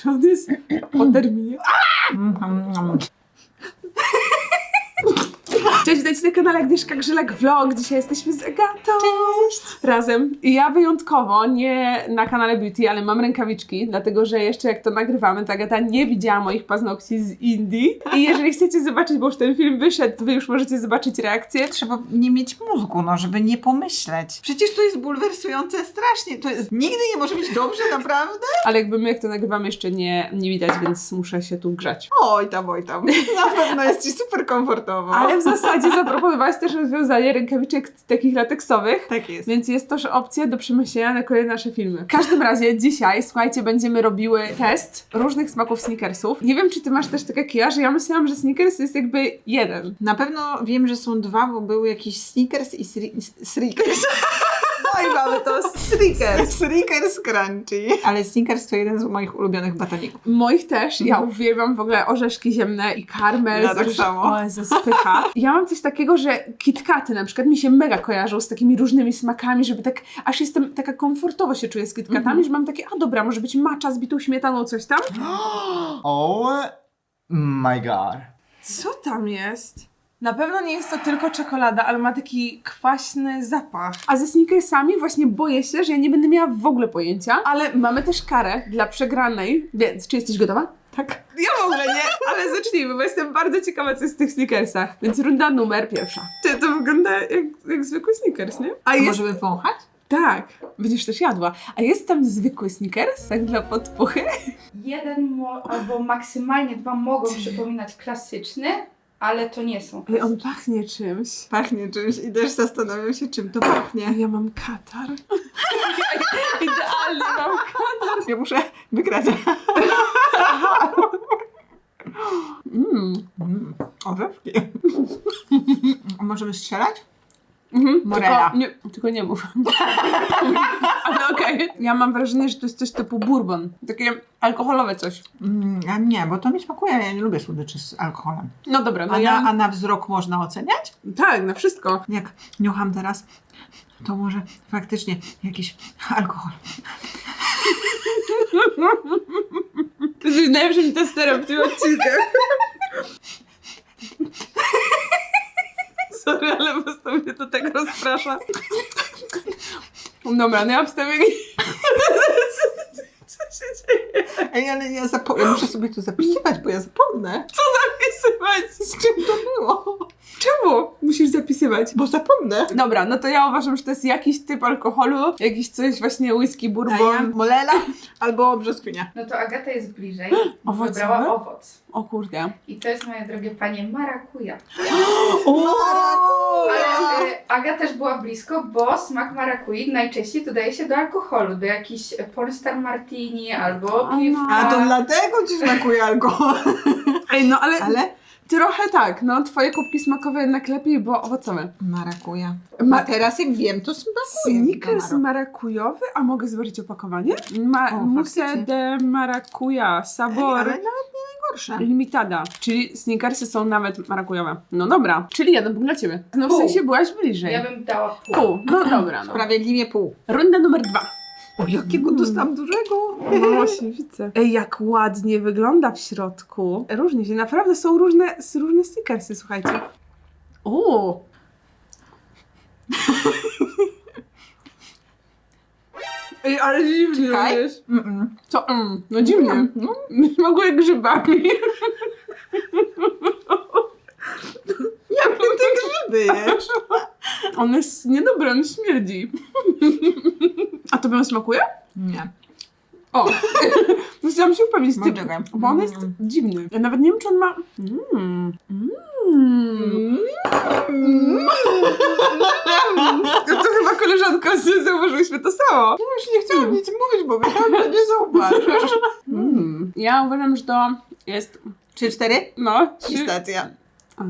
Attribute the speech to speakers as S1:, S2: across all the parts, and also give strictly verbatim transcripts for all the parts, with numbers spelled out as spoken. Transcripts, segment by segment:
S1: że on jest po terminie. Cześć, witajcie na kanale Agnieszka Grzelak Vlog. Dzisiaj jesteśmy z Agatą. Cześć! Razem. I ja wyjątkowo, nie na kanale Beauty, ale mam rękawiczki, dlatego że jeszcze jak to nagrywamy, to Agata nie widziała moich paznokci z Indii. I jeżeli chcecie zobaczyć, bo już ten film wyszedł, to wy już możecie zobaczyć reakcję.
S2: Trzeba nie mieć mózgu, no, żeby nie pomyśleć. Przecież to jest bulwersujące strasznie. To jest... Nigdy nie może być dobrze, naprawdę?
S1: Ale jakby my, jak to nagrywamy, jeszcze nie, nie widać, więc muszę się tu grzać.
S2: Oj tam, oj tam. Na pewno jest ci super komfortowo.
S1: Ale w zasadzie zaproponowałaś też rozwiązanie rękawiczek takich lateksowych.
S2: Tak jest.
S1: Więc jest też opcja do przemyślenia na kolejne nasze filmy. W każdym razie dzisiaj, słuchajcie, będziemy robiły test różnych smaków Snickersów. Nie wiem, czy ty masz też tak jak ja, że ja myślałam, że Snickers jest jakby jeden.
S2: Na pewno wiem, że są dwa, bo były jakieś Snickers i Snickers. No i mamy to Snickers. Snickers Crunchy. Ale Snickers to jeden z moich ulubionych batoników.
S1: Moich też. Ja uwielbiam w ogóle orzeszki ziemne i karmel.
S2: Ja tak samo.
S1: O, Jezu, spycha. Ja mam coś takiego, że KitKaty na przykład mi się mega kojarzą z takimi różnymi smakami, żeby tak, aż jestem taka komfortowo się czuję z KitKatami, mm-hmm. że mam takie, a dobra, może być matcha z bitą śmietaną, coś tam.
S3: Oh my god.
S1: Co tam jest? Na pewno nie jest to tylko czekolada, ale ma taki kwaśny zapach. A ze Snickersami właśnie boję się, że ja nie będę miała w ogóle pojęcia, ale mamy też karę dla przegranej, więc czy jesteś gotowa?
S2: Tak.
S1: Ja w ogóle nie, ale zacznijmy, bo jestem bardzo ciekawa, co jest w tych Snickersach. Więc runda numer pierwsza. Ty, to wygląda jak, jak zwykły Snickers, nie? A
S2: A
S1: jest...
S2: możemy wąchać?
S1: Tak, będziesz też jadła. A jest tam zwykły Snickers, tak dla podpuchy?
S4: Jeden mo- albo maksymalnie dwa mogą przypominać klasyczny, ale to nie są
S1: Ej, on
S4: klasyczne.
S1: pachnie czymś.
S2: Pachnie czymś i też zastanawiam się, czym to pachnie.
S1: A ja mam katar. Idealnie mam katar.
S2: Ja muszę wygrać.
S1: Mm.
S2: Mm, orzeszki. Możemy strzelać?
S1: Mhm,
S2: Morela.
S1: Tylko nie, tylko nie mów. Ale okej. Okay. Ja mam wrażenie, że to jest coś typu bourbon. Takie alkoholowe coś.
S2: Mm, a nie, bo to mi smakuje. Ja nie lubię słodyczy z alkoholem.
S1: No dobra, no
S2: A,
S1: ja...
S2: na, a na wzrok można oceniać?
S1: Tak, na wszystko.
S2: Jak niucham teraz, to może faktycznie jakiś alkohol.
S1: Ty jesteś najlepszym testerem w tym odcinku. Sorry, ale po prostu mnie to tak rozprasza. Dobra, no ja obstawię... Co się dzieje?
S2: Ej, ale ja, zapo- ja muszę sobie to zapisywać, bo ja zapomnę.
S1: Co zapisywać?
S2: Z czym to było?
S1: Czemu? Musisz zapisywać.
S2: Bo zapomnę.
S1: Dobra, no to ja uważam, że to jest jakiś typ alkoholu, jakiś coś właśnie whisky,
S2: A ja
S1: bourbon.
S2: molela albo brzoskwinia.
S4: No to Agata jest bliżej.
S1: Owocowy?
S4: Wybrała owoc.
S1: O kurde.
S4: I to jest, moje drogie panie, marakuja.
S2: O!
S4: Ale y, Aga też była blisko, bo smak marakui najczęściej dodaje się do alkoholu, do jakichś Polestar Martini albo
S1: A
S4: piwka.
S2: A to dlatego ci smakuje alkohol.
S1: Ej, no ale,
S2: Ale?
S1: trochę tak, no twoje kubki smakowe jednak lepiej, bo owocowe.
S2: Marakuja.
S1: Ma-
S2: A teraz jak wiem, to smakuje.
S1: Snickers
S2: to
S1: marakujowy? A mogę zobaczyć opakowanie? Ma-
S2: O,
S1: Mousse
S2: faktycznie.
S1: de maracuja,
S2: Ej,
S1: sabor
S2: ale nawet nie najgorsze.
S1: limitada. Czyli Snickersy są nawet marakujowe. No dobra, czyli jeden punkt dla ciebie. No w
S4: Pół.
S1: sensie byłaś bliżej.
S4: Ja bym dała pół.
S1: Pół, no dobra, no.
S2: Sprawiedliwie pół.
S1: Runda numer dwa.
S2: O, jakiego
S1: Mm.
S2: dostałam dużego.
S1: No właśnie, widzę. Ej, jak ładnie wygląda w środku. Różnie się, naprawdę są różne, są różne Snickersy, słuchajcie. O! Ej, ale dziwnie
S2: Czekaj.
S1: robisz.
S2: Mm-mm.
S1: Co? Mm, no dziwnie.
S2: Mm, no.
S1: Smakuje grzybami.
S2: Jak ty te grzyby jesz?
S1: On jest niedobry, on śmierdzi. A to bym smakuje?
S2: Nie.
S1: O! No chciałam się upewnić,
S2: No,
S1: ty,
S2: czekaj.
S1: bo on jest
S2: Mm.
S1: dziwny. Ja nawet nie wiem, czy on ma... Mm. Mm. No to chyba koleżanko, zauważyłyśmy to samo.
S2: Już nie chciałam nic mówić, bo myślałam, że nie zauważysz.
S1: Mm. Ja uważam, że to jest...
S2: Trzy, cztery?
S1: No, trzy...
S2: I stacja.
S1: A.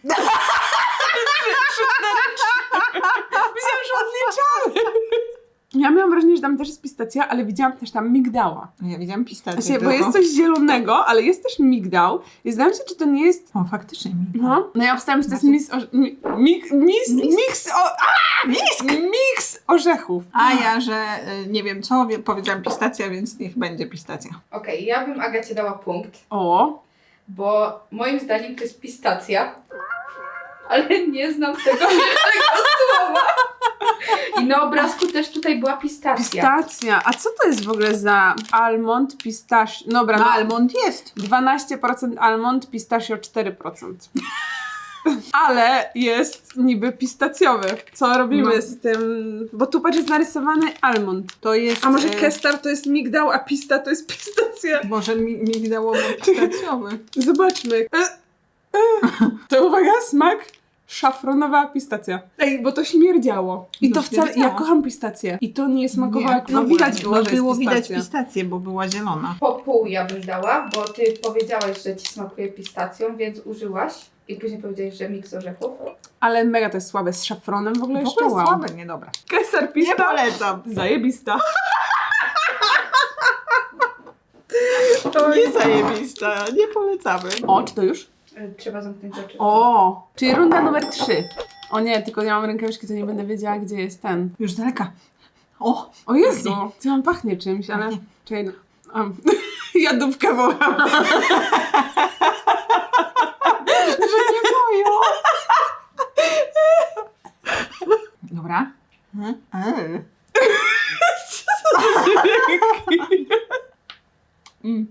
S1: Myślałam, że odliczamy. Ja miałam wrażenie, że tam też jest pistacja, ale widziałam też tam migdała.
S2: Ja widziałam pistację.
S1: Właśnie, bo
S2: tylko.
S1: jest coś zielonego, ale jest też migdał. I zastanawiam się, czy to nie jest...
S2: O, faktycznie mi.
S1: No, no ja obstałem, że to jest mis... Orze... mi... Mik... Mis... Miks... O... A! Miks! Miks orzechów.
S2: A ja, że y, nie wiem co, wie- powiedziałam pistacja, więc niech będzie pistacja.
S4: Okej, ja bym Agacie dała punkt,
S1: O,
S4: bo moim zdaniem to jest pistacja, ale nie znam tego pierwszego słowa. I na obrazku też tutaj była pistacja.
S1: pistacja. A co to jest w ogóle za almond, pistaś... Dobra,
S2: No,
S1: no,
S2: almond jest.
S1: dwanaście procent almond, pistachio cztery procent. Ale jest niby pistacjowy. Co robimy
S2: No.
S1: z tym? Bo tu patrz, jest narysowany almond.
S2: To jest...
S1: A może
S2: e,
S1: kestar to jest migdał, a pista to jest pistacja?
S2: Może mi, migdałowo pistacjowy.
S1: Zobaczmy. E, e. To uwaga, smak szafronowa pistacja. Ej, bo to śmierdziało. I
S2: No
S1: to wcale... Ja
S2: śmierdziało.
S1: kocham pistację. I to nie smakowało
S2: Nie,
S1: jak...
S2: w
S1: No
S2: ogóle.
S1: widać było,
S2: no,
S1: że
S2: było
S1: jest
S2: widać
S1: pistacja.
S2: pistację, bo była zielona.
S4: Po pół ja bym dała, bo ty powiedziałaś, że ci smakuje pistacją, więc użyłaś. I później powiedziałeś, że miks orzechów.
S1: Ale mega to jest słabe. Z szafronem w ogóle
S2: W
S1: jeszcze
S2: ogóle
S1: wow.
S2: słabe, niedobre.
S1: Kesar
S2: Nie
S1: pista.
S2: polecam.
S1: Zajebista.
S2: Nie zajebista, nie polecamy.
S1: O, czy to już?
S4: Y, Trzeba zamknąć oczy.
S1: O, czyli runda numer trzy. O nie, tylko ja mam rękawiczki, to nie będę wiedziała, gdzie jest ten.
S2: Już z daleka. O,
S1: O Jezu, to mam pachnie czymś, ale...
S2: Pachnie.
S1: Czekaj, no. um. Jadówkę wołam.
S2: że nie moją. Dobra. Eee.
S1: Mm.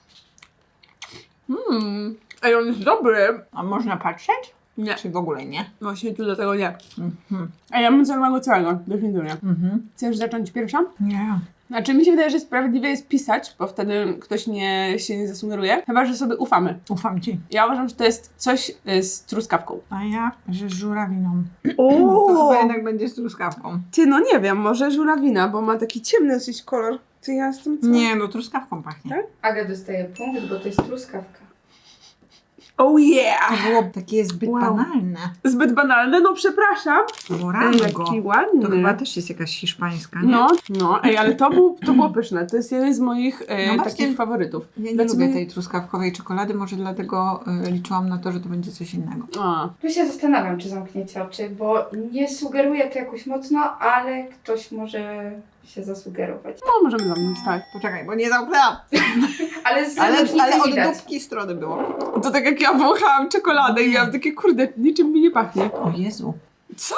S1: Mm. Ej, on jest dobry.
S2: A można patrzeć?
S1: Nie,
S2: Czy w ogóle nie?
S1: właśnie tu do tego nie.
S2: Mhm.
S1: Ej, ja bym zjadła go całego, definitywnie.
S2: Mhm.
S1: Chcesz zacząć pierwsza?
S2: Nie.
S1: Znaczy mi się wydaje, że sprawiedliwie jest pisać, bo wtedy ktoś nie, się nie zasugeruje. Chyba, że sobie ufamy.
S2: Ufam ci.
S1: Ja uważam, że to jest coś y, z truskawką.
S2: A ja, że z żurawiną.
S1: O!
S2: To chyba jednak będzie z truskawką.
S1: Ty, no nie wiem, może żurawina, bo ma taki ciemny dosyć kolor. Ty, ja jestem co?
S2: Nie, no truskawką pachnie.
S1: Tak?
S4: Aga dostaje punkt, bo to jest truskawka.
S1: Oh yeah!
S2: To było takie zbyt
S1: Wow.
S2: banalne.
S1: Zbyt banalne, no przepraszam. Ej,
S2: Morango.
S1: jaki ładny.
S2: To chyba też jest jakaś hiszpańska, nie?
S1: No, no, ej, ale to, był, to było pyszne. To jest jeden z moich e,
S2: No właśnie.
S1: takich faworytów.
S2: Ja nie
S1: Dlaczego
S2: lubię
S1: nie-
S2: tej truskawkowej czekolady, może dlatego y, liczyłam na to, że to będzie coś innego.
S1: A,
S4: Tu się zastanawiam, czy zamkniecie oczy, bo nie sugeruję to jakoś mocno, ale ktoś może się zasugerować.
S1: no, możemy zamknąć, tak.
S2: Poczekaj, bo nie zamknęłam.
S4: Ale z
S2: Ale,
S4: zewnątrz nic
S2: ale
S4: nie
S2: od
S4: widać.
S2: dupki strony było.
S1: To tak jak ja wąchałam czekoladę i miałam takie, kurde, niczym mi nie pachnie.
S2: O Jezu.
S1: Co?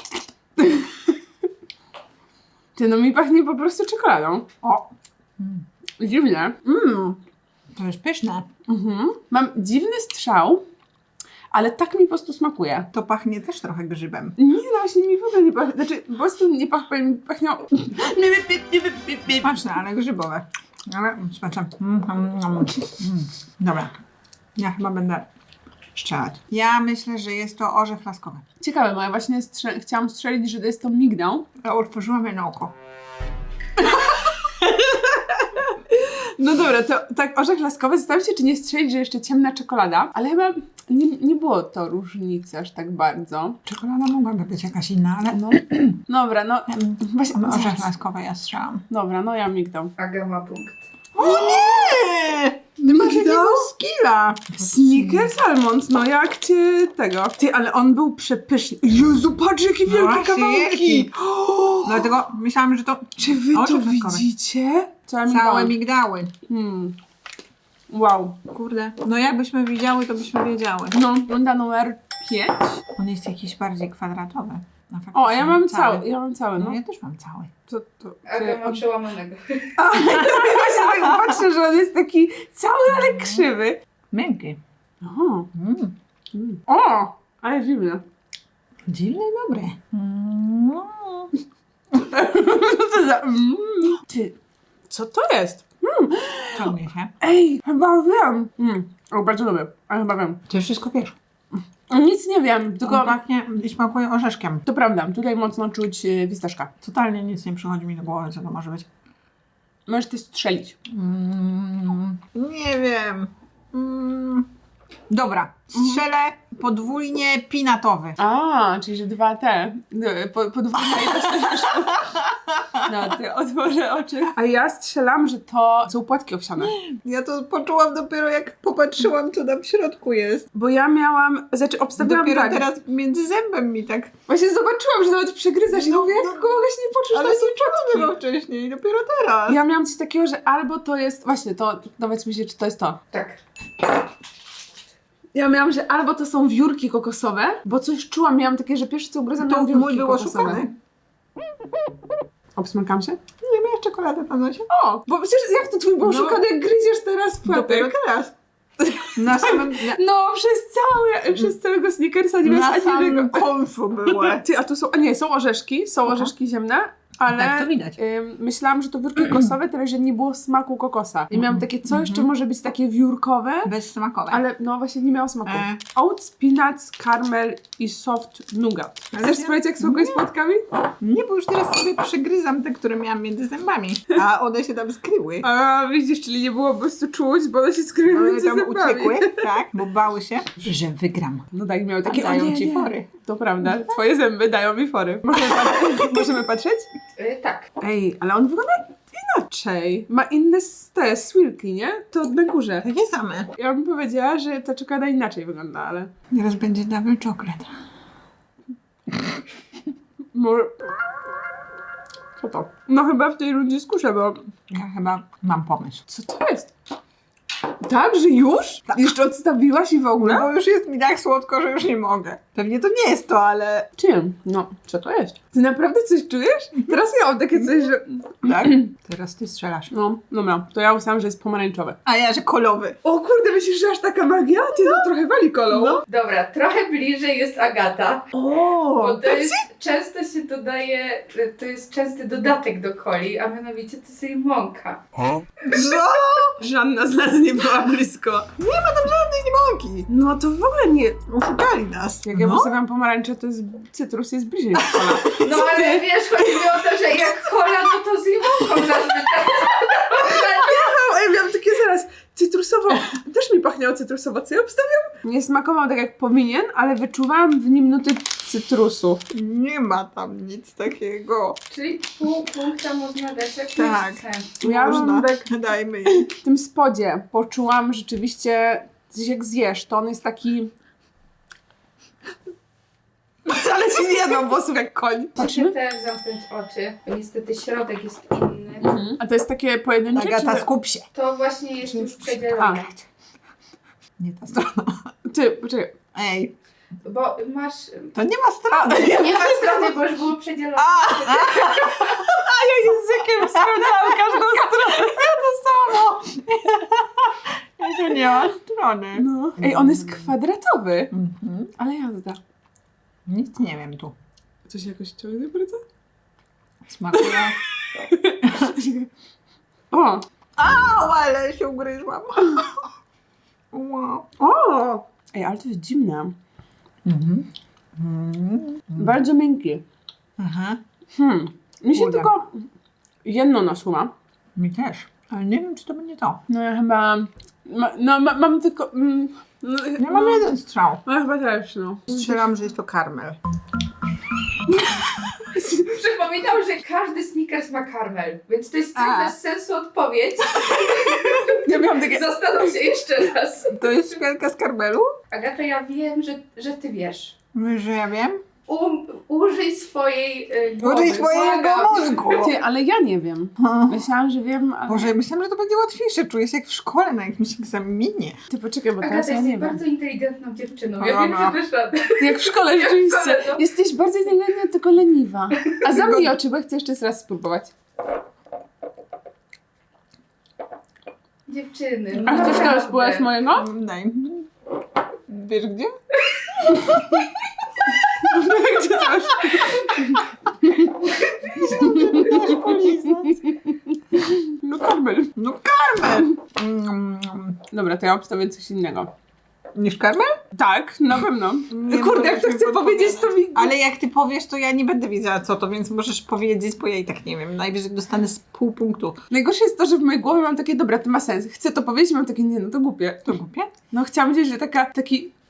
S1: Ty, no mi pachnie po prostu czekoladą.
S2: O. Mm.
S1: Dziwnie. Mm.
S2: To jest pyszne.
S1: Mhm. Mam dziwny strzał, ale tak mi po prostu smakuje.
S2: To pachnie też trochę grzybem.
S1: Nie, no właśnie mi w ogóle nie pachnie. Znaczy, po prostu nie pachnie, mi pachniało...
S2: Smaczne, ale grzybowe. Ale smaczne. Mm, mm, mm, mm. Dobra. Ja chyba będę strzelać. Ja myślę, że jest to orzech laskowy.
S1: Ciekawe, bo ja właśnie strze- chciałam strzelić, że to jest to migdał.
S2: Ja otworzyłam je na oko.
S1: No dobra, to tak orzech laskowy. Zastanawiam się, czy nie strzelić, że jeszcze ciemna czekolada, ale chyba nie, nie było to różnicy aż tak bardzo.
S2: Czekolada mogłaby być jakaś inna, ale
S1: No. Dobra, no właśnie...
S2: orzech
S1: zaraz.
S2: laskowy ja strzelam.
S1: Dobra, no ja migdał.
S4: Aga ma punkt.
S2: O nie! Ty masz
S1: Migdał?
S2: jakiego skilla.
S1: Snickers Almond, no jak cię tego. Ty, ale on był przepyszny. Jezu, patrz jakie
S2: No
S1: wielkie
S2: właśnie,
S1: kawałki.
S2: wielki. Dlatego myślałam, że to
S1: Czy wy to
S2: Orzech laskowy.
S1: widzicie? Całe
S2: całe
S1: migdały.
S2: migdały.
S1: Hmm. Wow.
S2: Kurde. No jakbyśmy widziały, to byśmy wiedziały.
S1: No, runda numer pięć.
S2: On jest jakiś bardziej kwadratowy. No,
S1: O, a ja
S2: faktycznie
S1: mam cały, ja mam cały,
S2: No
S1: no.
S2: ja też mam cały.
S1: Co to?
S4: Aga ma
S1: Czy...
S4: przełamanego.
S1: Właśnie tak patrzę, że on jest taki cały, ale krzywy.
S2: Miękki.
S1: O,
S2: Mm.
S1: mm. O, ale dziwne.
S2: Dziwne i dobre. Mm.
S1: Co to za... Mm. Ty, co to jest?
S2: Ciągnie się.
S1: Ej, chyba wiem. Mm. O, bardzo lubię, ale chyba wiem.
S2: Ty wszystko wiesz.
S1: Nic nie wiem,
S2: Tylko
S1: tylko...
S2: pachnie i smakuje orzeszkiem.
S1: To prawda, tutaj mocno czuć y, fistaszka.
S2: Totalnie nic nie przychodzi mi do głowy, co to może być.
S1: Możesz ty strzelić.
S2: Mm. Nie wiem. Mm. Dobra, strzelę podwójnie pinatowy.
S1: A, czyli że dwa te. Po, podwójne i też też wyszło. No, ty otworzę oczy. A ja strzelam, że to są płatki owsiane.
S2: Ja to poczułam dopiero jak popatrzyłam, co tam w środku jest.
S1: Bo ja miałam, znaczy obstawiałam
S2: Dopiero
S1: tak.
S2: teraz między zębem mi tak...
S1: Właśnie zobaczyłam, że nawet przegryzasz i
S2: No,
S1: mówię, jak
S2: no.
S1: mogę się nie poczuć,
S2: Ale
S1: że to są
S2: nie czułam
S1: płatki.
S2: tego wcześniej, dopiero teraz.
S1: Ja miałam coś takiego, że albo to jest, właśnie to, powiedzmy się, czy to jest to.
S4: Tak.
S1: Ja miałam, że albo to są wiórki kokosowe, bo coś czułam, miałam takie, że pierwsze co ugryzłam,
S2: To
S1: miałam wiórki
S2: mój był
S1: kokosowe.
S2: oszukany.
S1: Obsmykam się?
S2: Nie miałeś czekoladę na nosie?
S1: O, bo przecież jak to twój był
S2: No.
S1: oszukany, jak gryziesz teraz w
S2: Dopiero
S1: płatek?
S2: teraz. Na samym... Na,
S1: No, przez cały, przez całego Snickersa nie miałeś
S2: na
S1: ani
S2: samym
S1: jednego.
S2: końcu były.
S1: Ty, a tu są, a nie, są orzeszki, są
S2: Aha.
S1: orzeszki ziemne, ale
S2: Tak, to widać.
S1: ym, myślałam, że to wiórki kokosowe, tyle że nie było smaku kokosa. I miałam takie, co jeszcze może być takie wiórkowe,
S2: Bezsmakowe.
S1: ale no właśnie nie miało smaku.
S2: E.
S1: Oats, peanuts, caramel i soft nougat.
S2: Ale
S1: Chcesz
S2: ja-
S1: sprawdzić, jak smakuje z płatkami?
S2: Nie, bo już teraz sobie przygryzam te, które miałam między zębami. A one się tam skryły.
S1: A widzisz, czyli nie było po prostu czuć, bo one się skryły
S2: One
S1: między
S2: tam
S1: zębami.
S2: uciekły, tak? Bo bały się, że wygram.
S1: No tak, miały takie,
S2: Dają
S1: o nie,
S2: ci
S1: nie.
S2: fory.
S1: To prawda, twoje zęby dają mi fory. Możemy, pat- możemy patrzeć?
S4: Y, tak.
S1: Ej, ale on wygląda inaczej. Ma inne s- te swirki, nie? To na górze.
S2: Takie same.
S1: Ja bym powiedziała, że ta czekolada inaczej wygląda, ale...
S2: Teraz będzie double chocolate.
S1: Może... Co to? No chyba w tej rundzie skuszę, bo...
S2: Ja chyba mam pomysł.
S1: Co to jest? Tak, że już? Jeszcze odstawiłaś i w ogóle?
S2: No bo już jest mi tak słodko, że już nie mogę. Pewnie to nie jest to, ale...
S1: Czym? No, co to jest? Ty naprawdę coś czujesz? Teraz ja mam takie coś, że...
S2: Tak? Teraz ty strzelasz.
S1: No, dobra, to ja usłyszałam, że jest pomarańczowe.
S2: A ja, że kolowy.
S1: O kurde, myślisz, że aż taka magia? Ty to trochę wali kolą.
S2: No.
S4: Dobra, trochę bliżej jest Agata.
S1: O,
S4: Bo to jest, często się dodaje, to jest częsty dodatek do coli, a mianowicie to jest limonka.
S2: Co?
S1: żadna z nas nie była blisko.
S2: Nie ma tam żadnej limonki.
S1: No to w ogóle nie...
S2: Oszukali nas.
S1: Jak ja
S2: no.
S1: postawiam pomarańcze, to jest cytrus jest bliżej niż kola.
S4: No ale wiesz, chodzi mi o to, że jak kola, no to z limonką zazwyczaj.
S1: A ja miałam takie zaraz cytrusowo, też mi pachniało cytrusowo, co ja obstawiam? Nie smakował tak jak powinien, ale wyczuwałam w nim nuty cytrusu.
S2: Nie ma tam nic takiego.
S4: Czyli pół punkta można dać jak
S2: Tak.
S4: chce.
S1: Ja
S2: Można.
S1: mam tak
S2: Dajmy jej.
S1: w tym spodzie poczułam rzeczywiście, coś jak zjesz, to on jest taki... Ale się nie jadł włosów jak koń.
S4: Muszę
S1: Patrzymy?
S4: też zamknąć oczy, bo niestety środek jest inny.
S1: A to jest takie pojedyncze,
S2: Agata,
S1: czy...
S2: skup się.
S4: To właśnie jest już
S1: A.
S4: przedzielone.
S2: Nie ta strona.
S1: Ty, poczekaj.
S2: Ej,
S4: Bo masz...
S2: to nie ma strony.
S4: Nie ma strony, bo już było przedzielone.
S1: Językiem sprawdzałam każdą stronę.
S2: To samo. To nie ma strony.
S1: No. Ej, on jest kwadratowy.
S2: Mhm.
S1: Ale jazda.
S2: Nic nie wiem tu.
S1: Coś jakoś ciągnie bardzo?
S2: Smakuje.
S1: O!
S2: Au, ale się ugryzłam. Wow.
S1: O! Ej, ale to jest dziwne.
S2: Mhm. Mhm.
S1: Bardzo miękki.
S2: Aha.
S1: Hmm. Mi się
S2: Kurde.
S1: tylko jedno nasuwa.
S2: Mi też. Ale nie wiem, czy to będzie to.
S1: No ja chyba... Ma, no ma, mam tylko... Mm, no,
S2: Ja mam jeden strzał.
S1: No chyba też, no.
S2: Strzelam, że jest to karmel.
S4: Przypominam, że każdy Snickers ma karmel, więc to jest
S2: A.
S4: tak bez sensu odpowiedź.
S1: Ja miałam takie...
S4: Zastanów się jeszcze raz.
S2: To jest szklanka z karmelu?
S4: Agata, ja wiem, że, że ty wiesz.
S2: Wiesz, że ja wiem?
S4: Um, użyj swojej y, głowy.
S2: Użyj swojego
S4: błagam.
S2: mózgu.
S1: Ty, ale ja nie wiem. Myślałam, że wiem, ale...
S2: Boże, myślałam, że to będzie łatwiejsze. Czuję się jak w szkole na jakimś egzaminie.
S1: Ty poczekaj, bo teraz
S4: Agata,
S1: ja
S4: jesteś
S1: nie wiem.
S4: bardzo inteligentną dziewczyną.
S2: No,
S4: Ja wiem,
S2: no.
S4: że dasz radę.
S1: Jak w szkole,
S4: Jak w
S1: rzeczywiście.
S4: szkole, no.
S1: Jesteś bardziej inteligentna, tylko leniwa. A zamknij oczy, bo chcę jeszcze raz spróbować.
S4: Dziewczyny.
S1: A chcesz
S4: naprawdę.
S1: teraz spróbować mojego?
S2: Daj. Wiesz gdzie?
S1: Gdzie to masz?
S2: Chcesz polizać.
S1: No karmel.
S2: No karmel! Mm,
S1: Dobra, to ja obstawię coś innego.
S2: Niż karmel?
S1: Tak, na pewno.
S2: Nie
S1: Kurde, jak to
S2: możesz
S1: chcę
S2: mi
S1: powiedzieć, to mi...
S2: Ale jak ty powiesz, to ja nie będę wiedziała co to, więc możesz powiedzieć, bo ja i tak nie wiem. Najwyżej dostanę z pół punktu.
S1: Najgorsze jest to, że w mojej głowie mam takie, dobra, to ma sens. Chcę to powiedzieć, mam takie, nie, no to głupie.
S2: To głupie?
S1: No chciałam powiedzieć, że taka, taki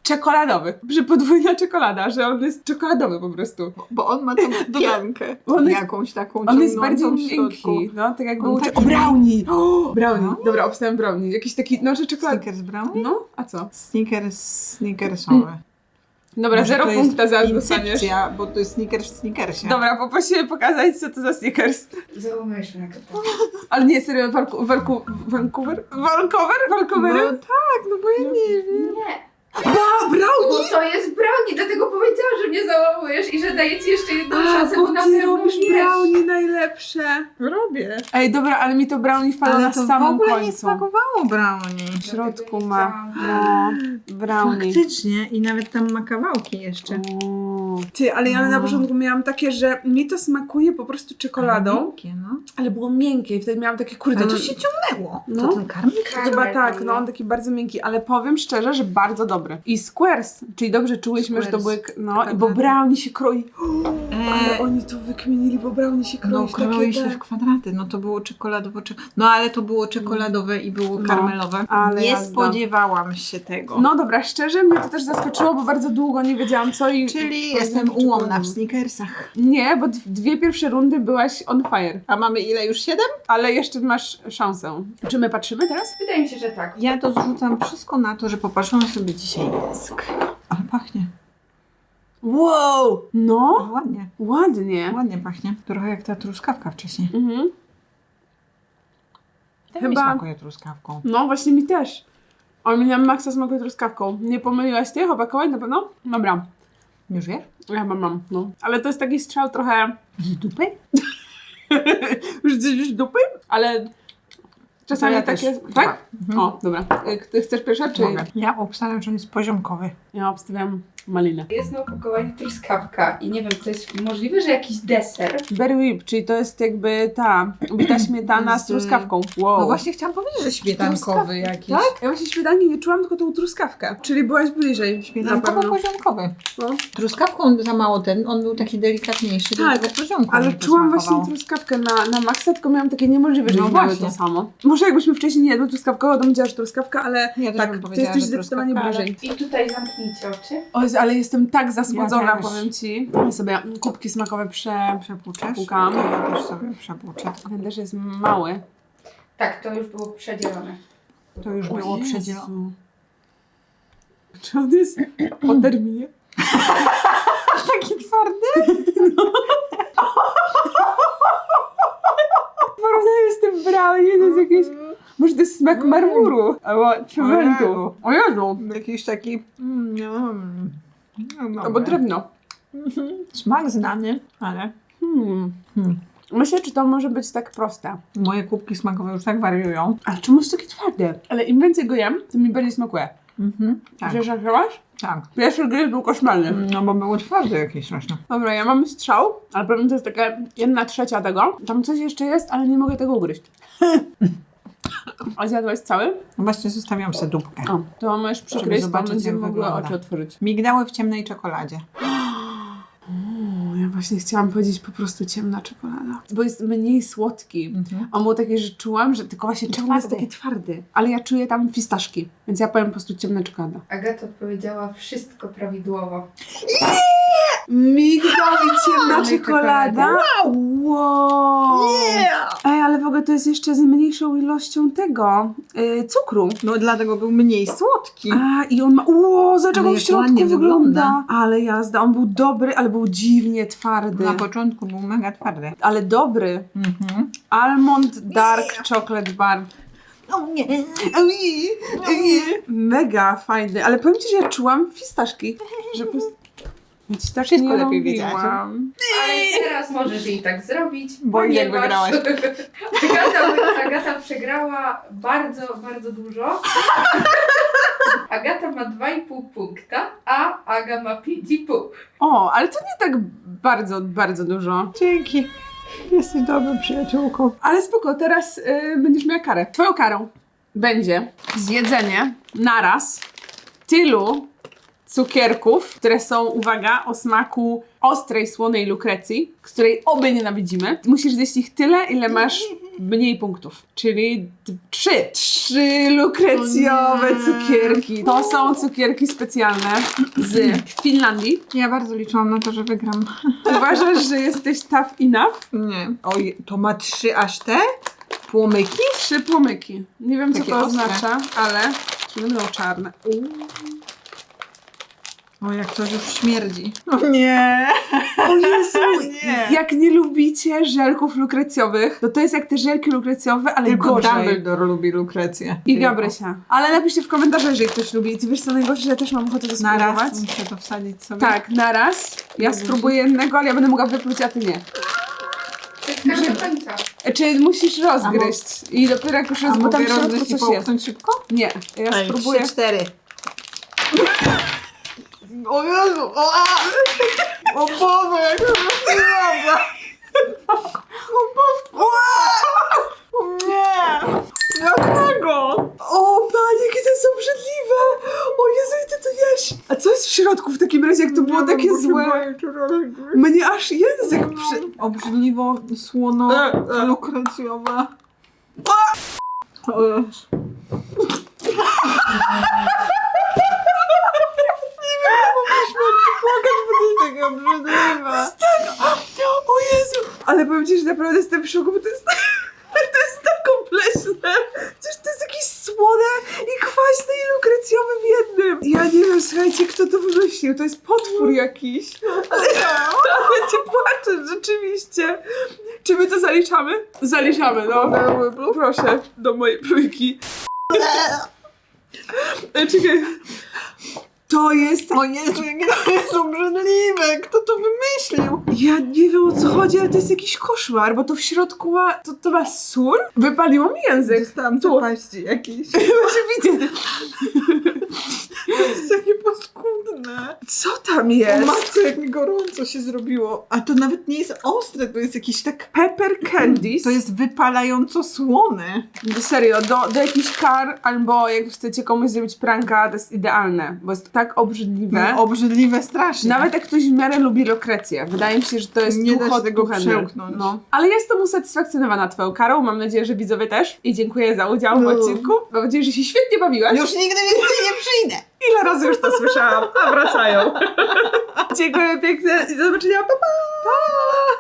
S1: czekoladowy. Że podwójna czekolada, że on jest czekoladowy po prostu.
S2: Bo on ma tą piankę.
S1: On jest-
S2: jakąś taką
S1: On jest bardziej
S2: ciągnącą w środku.
S1: miękki. No, tak jak
S2: On
S1: był...
S2: taki
S1: O, brownie! O, brownie.
S2: Brownie?
S1: Dobra, obstałem brownie. Jakiś taki, no, że czekolada.
S2: Snickers brownie?
S1: No, a co?
S2: Snickers, snickersowe.
S1: Dobra,
S2: Może
S1: zero
S2: to jest
S1: punkta zaraz dostaniesz.
S2: incepcja, bo to jest Snickers w Snickersie.
S1: Dobra, poprosimy pokazać, co to za Snickers.
S4: Załamujesz mnie to.
S1: Ale nie, serio, Warku, Warku, Vancouver? Vancouver? Vancouver?
S2: No tak, no bo ja nie wiem.
S4: Nie.
S1: A, brownie!
S4: Bo to jest brownie, dlatego powiedziałam, że mnie załamujesz i że daję ci jeszcze jedną
S1: A,
S4: szansę,
S1: bo
S4: bo na
S1: ty
S4: pewno
S1: robisz
S4: wiesz.
S1: brownie najlepsze.
S2: Robię.
S1: Ej, dobra, ale mi to brownie wpadło na
S2: Ale to w
S1: samym
S2: ogóle
S1: końcu.
S2: nie smakowało brownie.
S1: W środku
S4: Dlatego nie
S1: ma,
S4: chciałam.
S1: no, brownie.
S2: Faktycznie i nawet tam ma kawałki jeszcze.
S1: O. Ty, ale ja na
S2: No.
S1: początku miałam takie, że mi to smakuje po prostu czekoladą,
S2: Miękkie, no.
S1: ale było miękkie i wtedy miałam takie, kurde,
S2: Ale to
S1: no-
S2: się ciągnęło.
S1: No.
S2: To ten karmel?
S1: Chyba tak,
S4: Karmel,
S1: no on taki bardzo miękki, ale powiem szczerze, że bardzo dobry. I squares, czyli dobrze czułyśmy, że to były,
S2: Squares.
S1: no i bo
S2: Kwadraty.
S1: brownie się kroi. Ale
S2: E,
S1: oni to wykminili, bo brownie się kroi
S2: no
S1: w takie
S2: kroi się
S1: te-
S2: w kwadraty. No to było czekoladowo. cze- No ale to było czekoladowe i było
S1: No,
S2: karmelowe.
S1: ale
S2: nie
S1: jazda.
S2: spodziewałam się tego.
S1: No dobra, szczerze mnie to też zaskoczyło, bo bardzo długo nie wiedziałam co i...
S2: Czyli
S1: i
S2: jestem
S1: powiedziałam,
S2: ułomna w
S1: czekoladę.
S2: Snickersach.
S1: Nie, bo d- dwie pierwsze rundy byłaś on fire,
S2: A mamy ile już? Siedem?
S1: ale jeszcze masz szansę. Czy my patrzymy teraz?
S4: Wydaje mi się, że tak.
S2: Ja to zrzucam wszystko na to, że popatrzyłam sobie dzisiaj język. Ale pachnie.
S1: Wow! No,
S2: Ładnie.
S1: ładnie.
S2: Ładnie pachnie. Trochę jak ta truskawka wcześniej.
S1: Mhm.
S2: Ten
S1: Chyba-
S2: mi smakuje truskawką.
S1: No, właśnie mi też. O, mi na maksa smakuje truskawką. Nie pomyliłaś ty, chłopakowej na pewno? Dobra,
S2: Już wiesz?
S1: ja chyba mam, no. Ale to jest taki strzał trochę...
S2: Z dupy?
S1: Już gdzieś w dupy? Ale czasami
S2: ja
S1: takie...
S2: też.
S1: Tak?
S2: Mhm.
S1: O, dobra. Y, Ty chcesz pierwsza, czy...
S2: Mogę. Ja obstawiam, że on jest poziomkowy.
S1: Ja obstawiam malinę.
S4: Jest na opakowaniu truskawka i nie wiem, to jest możliwe, że jakiś deser.
S1: Berry whip, czyli to jest jakby ta bita śmietana z
S2: Z-
S1: truskawką. Wow.
S2: No właśnie chciałam powiedzieć, że śmietankowy jakiś.
S1: Tak? Ja właśnie śmietanki nie czułam, tylko tą truskawkę. Czyli byłaś bliżej. Na
S2: Śmietankowo
S1: pewno.
S2: poziomkowy.
S1: No.
S2: Truskawką za mało ten, on był taki delikatniejszy,
S1: Tak,
S2: dlatego poziomką
S1: Ale
S2: mi to
S1: czułam
S2: smakowało.
S1: właśnie truskawkę na, na maksa, tylko miałam takie niemożliwe, że
S2: No
S1: no miały
S2: właśnie.
S1: to samo. Może jakbyśmy wcześniej nie jadły truskawkowo, to powiedziała, że truskawka, ale
S2: Ja też
S1: tak,
S2: bym
S1: ty
S2: powiedziała,
S1: jesteś
S2: że
S1: zdecydowanie
S2: truskawka, ale-
S1: bliżej.
S4: I tutaj zamknijcie oczy.
S1: O Jezu, ale jestem tak zasłodzona,
S2: Ja też.
S1: powiem ci. Ja sobie kubki smakowe prze...
S2: Przepłuczesz?
S1: Przepłukam.
S2: To ja też sobie przepłuczę.
S1: Ten też jest mały.
S4: Tak, to już było przedzielone.
S2: To już było
S1: O Jezu.
S2: przedzielone.
S1: Czy on jest po terminie?
S2: Taki twardy?
S1: Porównuję z tym brownie, to jest jakieś... Może to jest smak marmuru albo cementu. O Jezu!
S2: Jakiś taki... Mm, mm, no,
S1: Albo
S2: dobra.
S1: drewno.
S2: Smak znany, ale...
S1: Hmm.
S2: Hmm.
S1: Myślę, czy to może być tak proste.
S2: Moje kubki smakowe już tak wariują.
S1: Ale czemu jest takie twarde? Ale im więcej go jem, tym mi bardziej smakuje.
S2: Mhm. Tak,
S1: Wiesz, jak robisz?
S2: tak.
S1: Pierwszy gryz był koszmarny.
S2: No bo było twarde jakieś straszne.
S1: Dobra, ja mam strzał, ale powiem, to jest taka jedna trzecia tego. Tam coś jeszcze jest, ale nie mogę tego ugryźć. A zjadłaś cały?
S2: No właśnie zostawiam sobie dupkę.
S1: O, to możesz przykryć, to
S2: zobaczyć,
S1: będziemy
S2: jak
S1: mogły
S2: wygląda.
S1: oczy otworzyć.
S2: Migdały w ciemnej czekoladzie.
S1: O, ja właśnie chciałam powiedzieć po prostu ciemna czekolada. Bo jest mniej słodki.
S2: Mhm.
S1: On był taki, że czułam, że tylko właśnie czemu jest
S2: Twardy.
S1: taki twardy. Ale ja czuję tam fistaszki, więc ja powiem po prostu ciemna czekolada.
S4: Agata odpowiedziała wszystko prawidłowo.
S1: Migdał i ciemna
S2: Ciemnej
S1: czekolada? Wow! Ej, ale w ogóle to jest jeszcze z mniejszą ilością tego, y, cukru.
S2: No dlatego był mniej słodki.
S1: A, i on ma, wow, zobacz jak
S2: Ale
S1: on w
S2: jak
S1: środku
S2: ładnie
S1: wygląda.
S2: wygląda.
S1: Ale jazda, on był dobry, ale był dziwnie twardy.
S2: Na początku był mega twardy.
S1: Ale dobry.
S2: Mhm.
S1: Almond Dark Chocolate Bar.
S2: O nie.
S1: Ej, ej, Mega fajny, ale powiem ci, że ja czułam fistaszki. Że po prostu... Ja ci tak
S2: Wszystko
S1: nie
S2: lepiej
S1: robiłam.
S4: Ale teraz możesz jej tak zrobić,
S2: Bo i tak
S4: ponieważ
S2: wygrałaś.
S4: Agata, Agata przegrała bardzo, bardzo dużo. Agata ma dwa i pół punkta, a Aga ma pięć i pół.
S1: O, ale to nie tak bardzo, bardzo dużo.
S2: Dzięki. Jesteś dobrą przyjaciółką.
S1: Ale spoko, teraz y, będziesz miała karę. Twoją karą będzie zjedzenie naraz tylu cukierków, które są, uwaga, o smaku ostrej, słonej lukrecji, z której obie nienawidzimy. Musisz zjeść ich tyle, ile masz mniej punktów. Czyli d- trzy. Trzy lukrecjowe
S2: O nie.
S1: cukierki. To są cukierki specjalne z Finlandii.
S2: Ja bardzo liczyłam na to, że wygram.
S1: Uważasz, że jesteś tough enough?
S2: Nie. Oj, to ma trzy aż te płomyki?
S1: Trzy płomyki. Nie wiem, co
S2: Takie
S1: to
S2: ostre.
S1: oznacza, ale czy będą czarne. Uuu.
S2: O, jak to już śmierdzi. O nie.
S1: O Jezu,
S2: Nie.
S1: jak nie lubicie żelków lukrecjowych, to to jest jak te żelki lukrecjowe, ale
S2: Tylko
S1: gorzej.
S2: Dumbledore lubi lukrecję.
S1: I Gabrysia. Ale napiszcie w komentarzach, jeżeli ktoś lubi. I ty wiesz co najgorsze, że ja też mam ochotę to
S2: Na
S1: spróbować.
S2: raz muszę to wsadzić sobie.
S1: Tak, naraz. Ja
S2: Dobrze.
S1: spróbuję jednego, ale ja będę mogła wypluć, a ty nie.
S4: Wszystko do końca.
S1: E, Czy musisz rozgryźć? I dopiero jak już
S2: A
S1: jest, bo tam
S2: mogę
S1: w środku
S2: rozgryźć i
S1: coś jest.
S2: połknąć szybko?
S1: Nie, ja
S2: Ej,
S1: spróbuję.
S2: trzy, cztery. O Jezu! O, a! O Boże, jak to rozgrywa! O Boże! O nie! Dlaczego?
S1: O Panie, jakie to jest obrzydliwe! O Jezu, i ty to jesz! A co jest w środku w takim razie, jak to było takie złe? Mnie aż język przy...
S2: Obrzydliwo, słono,
S1: E, e.
S2: lukrecjowe. O Jezu. Nie wiem, mogliśmy płakać, bo to jest takie obrzydliwe.
S1: O Jezu! Ale powiem ci, że naprawdę jestem w szoku, bo to jest... To jest tak kompleksne. Przecież to jest jakieś słone i kwaśne i lukrecjowe w jednym. Ja nie wiem, słuchajcie, kto to wymyślił. To jest potwór jakiś. Ale, ale ty płaczesz, rzeczywiście. Czy my to zaliczamy? Zaliczamy, no. Proszę, do mojej trójki. E, Czekaj. To jest...
S2: O Jezu, jakie to jest obrzydliwe! Kto to wymyślił?
S1: Ja nie wiem, o co chodzi, ale to jest jakiś koszmar, bo to w środku ma... To, to ma sól? Wypaliło mi język.
S2: Dostałam
S1: Tu.
S2: zapaści jakieś.
S1: Właśnie widzę.
S2: To jest takie paskudne.
S1: Co tam
S2: O
S1: jest?
S2: matko, jak mi gorąco się zrobiło. A to nawet nie jest ostre, to jest jakiś tak...
S1: Pepper candies.
S2: To jest wypalająco słone.
S1: Serio, do, do jakichś kar, albo jak chcecie komuś zrobić pranka, to jest idealne, bo jest tak obrzydliwe.
S2: No, obrzydliwe strasznie.
S1: Nawet jak ktoś w miarę lubi lukrecję. Wydaje mi się, że to jest
S2: Nie da
S1: too
S2: się
S1: hot
S2: tego
S1: to handle.
S2: przełknąć.
S1: No. Ale jestem usatysfakcjonowana twoją karą, mam nadzieję, że widzowie też. I dziękuję za udział w
S2: No.
S1: odcinku. Mam nadzieję, że się świetnie bawiłaś.
S2: Już nigdy więcej nie przyjdę.
S1: Ile razy już to słyszałam, a wracają. Dziękuję pięknie i do zobaczenia, pa pa! Pa!